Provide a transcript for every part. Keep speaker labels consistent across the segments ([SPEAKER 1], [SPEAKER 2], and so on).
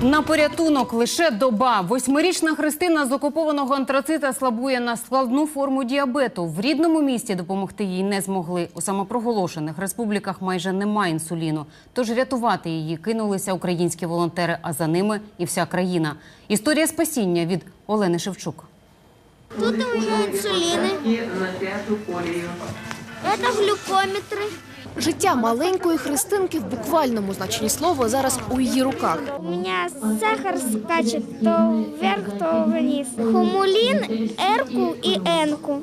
[SPEAKER 1] На порятунок лише доба. 8-річна Христина з окупованого Антрацита слабує на складну форму діабету. В рідному місті допомогти їй не змогли. У самопроголошених республіках майже немає інсуліну. Тож рятувати її кинулися українські волонтери, а за ними і вся країна. Історія спасіння від Олени Шевчук.
[SPEAKER 2] Тут у меня инсулины. Это глюкометры.
[SPEAKER 3] Життя маленької Христинки в буквальному значенні слова зараз у її руках.
[SPEAKER 2] У меня сахар скачет то вверх, то вниз. Хумулин, Р-ку и Н-ку.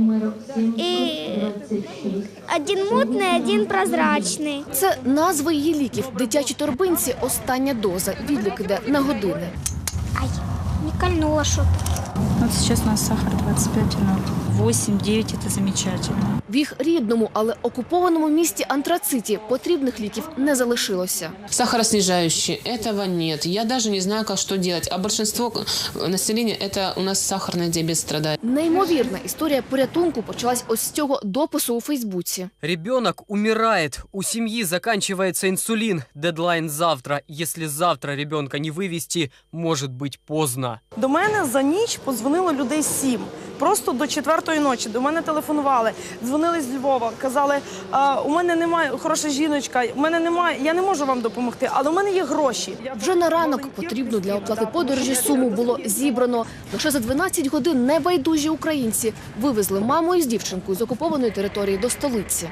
[SPEAKER 2] И один мутный, один прозрачный.
[SPEAKER 3] Це назви її ліків. Дитячій торбинці остання доза. Відлік іде на години.
[SPEAKER 2] Ай, не кольнуло что-то.
[SPEAKER 4] Вот сейчас у нас сахар 25, 8-9 – это замечательно.
[SPEAKER 3] В їх рідному, але окупованому місті Антрациті потрібних ліків не залишилося.
[SPEAKER 5] Сахароснижающие – этого нет. Я даже не знаю, как что делать. А большинство населения – это у нас сахарный диабет страдает.
[SPEAKER 3] Неймовірна історія порятунку почалась ось з цього допису у Фейсбуці.
[SPEAKER 6] Ребенок умирает. У семьи заканчивается инсулин. Дедлайн завтра. Если завтра ребенка не вывести, может быть поздно.
[SPEAKER 7] До мене за ніч подзвонило людей 7. Просто до 4-ї ночі. До мене телефонували, дзвонили з Львова, казали, у мене немає, хороша жіночка, у мене немає, я не можу вам допомогти, але у мене є гроші.
[SPEAKER 3] Вже на ранок потрібну для оплати подорожі суму було зібрано. Лише за 12 годин небайдужі українці вивезли маму із дівчинкою з окупованої території до столиці.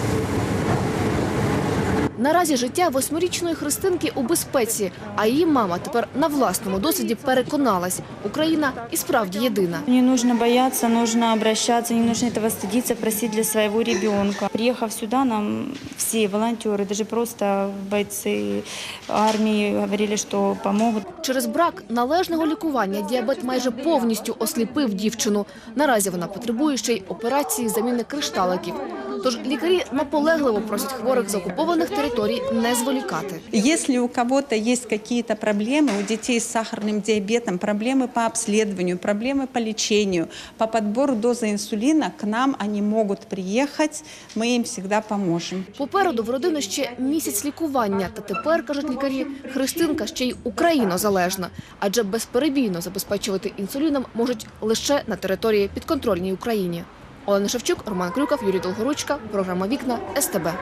[SPEAKER 3] Наразі життя 8-річної Христинки у безпеці, а її мама тепер на власному досвіді переконалась – Україна і справді єдина.
[SPEAKER 4] Не нужно бояться, нужно обращаться, не нужно этого стыдиться, просить для своего ребенка. Приехав сюда, нам все волонтеры, даже просто бойцы армии говорили, что помогут.
[SPEAKER 3] Через брак належного лікування діабет майже повністю осліпив дівчину. Наразі вона потребує ще й операції заміни кришталиків. Тож лікарі наполегливо просять хворих з окупованих територій не зволікати.
[SPEAKER 8] Если у кого-то есть какие-то проблемы, у детей с сахарным диабетом, проблемы по обследованию, проблемы по лечению, по подбору дозы инсулина, к нам они могут приехать, мы им всегда поможем.
[SPEAKER 3] Попереду в родини ще місяць лікування. Та тепер, кажуть лікарі, Христинка ще й українозалежна. Адже безперебійно забезпечувати інсуліном можуть лише на території підконтрольній Україні. Олена Шевчук, Роман Крюков, Юрій Долгоручка. Програма «Вікна», СТБ.